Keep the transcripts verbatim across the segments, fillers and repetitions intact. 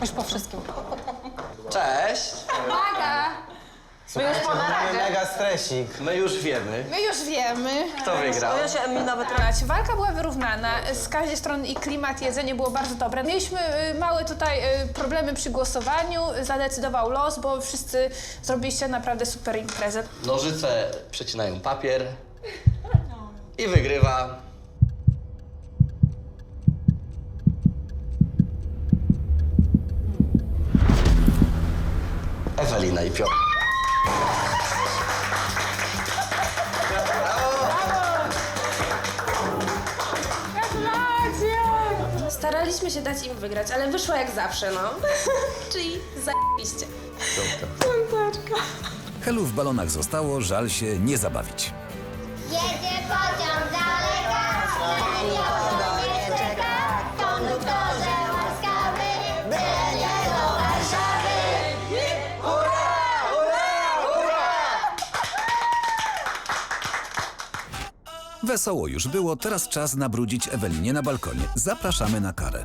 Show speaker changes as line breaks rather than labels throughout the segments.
Już po wszystkim.
Cześć!
Uwaga! My już po naradzie.
Mega stresik.
My już wiemy,
My już wiemy.
kto wygrał.
Ja się Emil nawet...
Walka była wyrównana. Z każdej strony i klimat, jedzenie było bardzo dobre. Mieliśmy y, małe tutaj y, problemy przy głosowaniu. Zadecydował los, bo wszyscy zrobiliście naprawdę super imprezę.
Nożyce przecinają papier i wygrywa... Ewelina i Piotr.
Staraliśmy się dać im wygrać, ale wyszło jak zawsze, no. Czyli zajebiście.
Helu w balonach zostało, żal się nie zabawić.
Jedzie pociąg daleka, na nikogo nie czeka. Konduktorze łaskawy, byle nie do Warszawy.
Wesoło już było, teraz czas nabrudzić Ewelinie na balkonie. Zapraszamy na karę.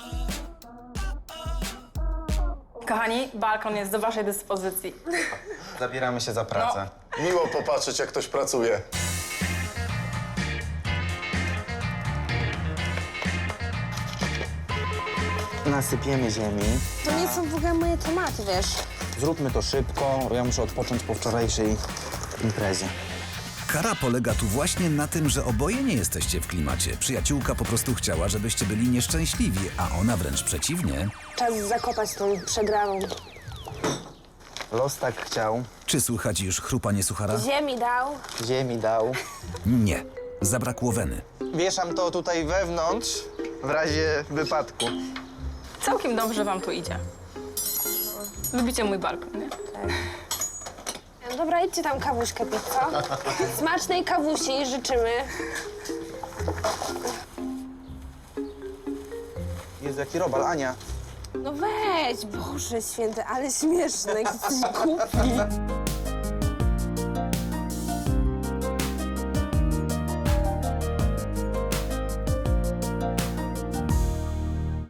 Kochani, balkon jest do waszej dyspozycji.
Zabieramy się za pracę.
Miło popatrzeć, jak ktoś pracuje.
Nasypiemy ziemi.
To nie są w ogóle moje tematy, wiesz.
Zróbmy to szybko, bo ja muszę odpocząć po wczorajszej imprezie.
Kara polega tu właśnie na tym, że oboje nie jesteście w klimacie. Przyjaciółka po prostu chciała, żebyście byli nieszczęśliwi, a ona wręcz przeciwnie.
Czas zakopać tą przegraną.
Los tak chciał,
Czy słychać już chrupanie suchara?
Ziemi dał.
ziemi dał.
Nie. Zabrakło weny.
Wieszam to tutaj wewnątrz, w razie wypadku.
Całkiem dobrze wam tu idzie. Lubicie mój balkon, nie?
Dobra, idźcie tam kawuśkę pić, co? Smacznej kawusi życzymy.
Jezu, jaki robal, Ania.
No weź, Boże święty, ale śmieszny, jesteś głupi.